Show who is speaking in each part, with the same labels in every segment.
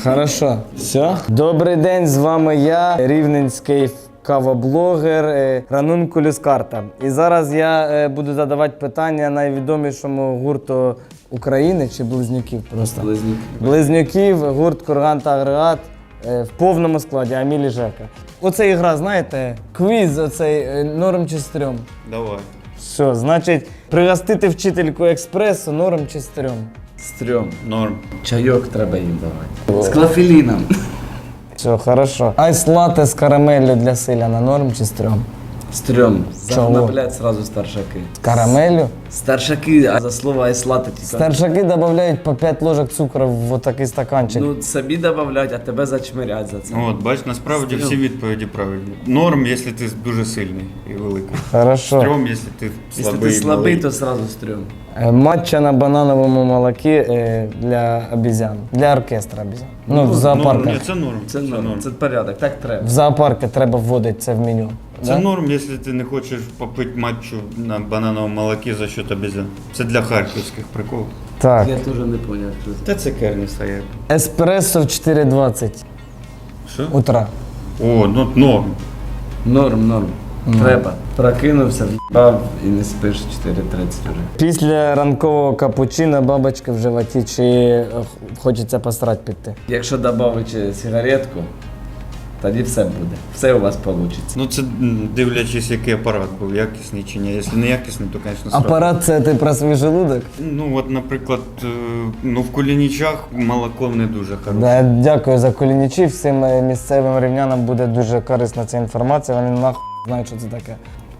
Speaker 1: Хорошо. Все. Добрий день, з вами я, рівненський кавоблогер Ранункулюс Карта. І зараз я буду задавати питання найвідомішому гурту України чи близнюків просто. Близнюків, гурт Курган та Агрегат в повному складі, Аміль і Жека. Оце ігра, знаєте, квіз оцей норм чи стрьом.
Speaker 2: Давай.
Speaker 1: Все, значить, пригостити вчительку експресу норм чи стрьом.
Speaker 3: Стрьом.
Speaker 2: Норм.
Speaker 3: Чайок треба їм давати. З клафеліном.
Speaker 1: Все, хорошо. Айс латте з карамеллю для селяна норм чи стрьом?
Speaker 3: Стрьом.
Speaker 1: Чого?
Speaker 3: Загнаблять сразу старшаки.
Speaker 1: З карамеллю?
Speaker 3: Старшаки, а за слово айслати тільки.
Speaker 1: Старшаки додають по 5 ложок цукру в такий стаканчик.
Speaker 3: Ну, собі добавлять, а тебе зачмирять за це.
Speaker 2: От, бач, насправді всі відповіді правильні. Норм, якщо ти дуже сильний і великий.
Speaker 1: Хорошо.
Speaker 2: Стрьом, якщо ти
Speaker 3: Якщо
Speaker 2: слабий.
Speaker 3: ти слабий,
Speaker 2: малий.
Speaker 3: то сразу стрьом.
Speaker 1: Матча на банановому молокі для обізян. Для оркестра обізян. Ну, в зоопарках.
Speaker 2: Ні, це норм.
Speaker 3: Це норм, це порядок, так треба.
Speaker 1: В зоопарки треба вводити це в меню.
Speaker 2: Це
Speaker 1: Да?
Speaker 2: норм, якщо ти не хочеш попити матчу на банановому молокі за счет обезьян. Це для харківських приколів.
Speaker 1: Так.
Speaker 3: Я теж не зрозумів, що це.
Speaker 2: Та це керні стоять.
Speaker 1: Еспресо в 4:20
Speaker 2: Що?
Speaker 1: утра.
Speaker 2: О, ну норм.
Speaker 3: Норм. Треба. Прокинувся, в'їбав і не спиш 4:30 вже.
Speaker 1: Після ранкового капучино бабочка в животі чи хочеться посрать піти?
Speaker 3: Якщо додати сигаретку, тоді все буде. Все у вас вийде.
Speaker 2: Ну це дивлячись, який апарат був, якісний чи ні. Якщо не якісний, то, звісно, сразу.
Speaker 1: Апарат це ти про свій желудок?
Speaker 2: Ну от, наприклад, ну в Кулінічах молоко не дуже хороше.
Speaker 1: Да, дякую за колінічі. Всім місцевим рівнянам буде дуже корисна ця інформація. Вони нахуй знають, що це таке.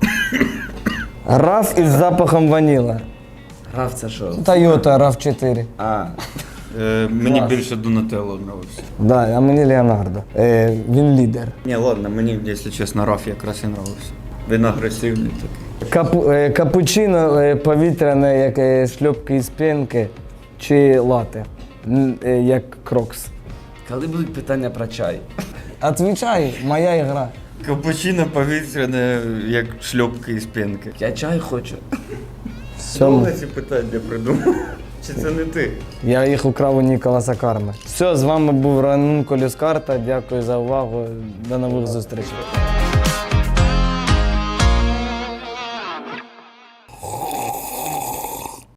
Speaker 1: RAV із запахом ваніла.
Speaker 3: Грав це що?
Speaker 1: Toyota RAV4.
Speaker 3: А,
Speaker 2: Мені
Speaker 1: Клас.
Speaker 2: більше Донателло нравився.
Speaker 1: Да, а мені Леонардо. Він лідер.
Speaker 2: Ні, ладно, мені, якщо чесно, Раф якраз і нравився. Він агресивний такий.
Speaker 1: Капучино повітряне, як шльопки із пінки, чи лате, як крокс.
Speaker 3: коли будуть питання про чай?
Speaker 1: Отвічай, моя ігра.
Speaker 2: Капучино повітряне, як шльопки із пінки.
Speaker 3: Я чай хочу.
Speaker 1: Все,
Speaker 2: ці питання придумав? Чи це не ти?
Speaker 1: я їх украв у Ніколаса Карми. Все, з вами був Ранункулюс Карта. Дякую за увагу. До нових зустрічей.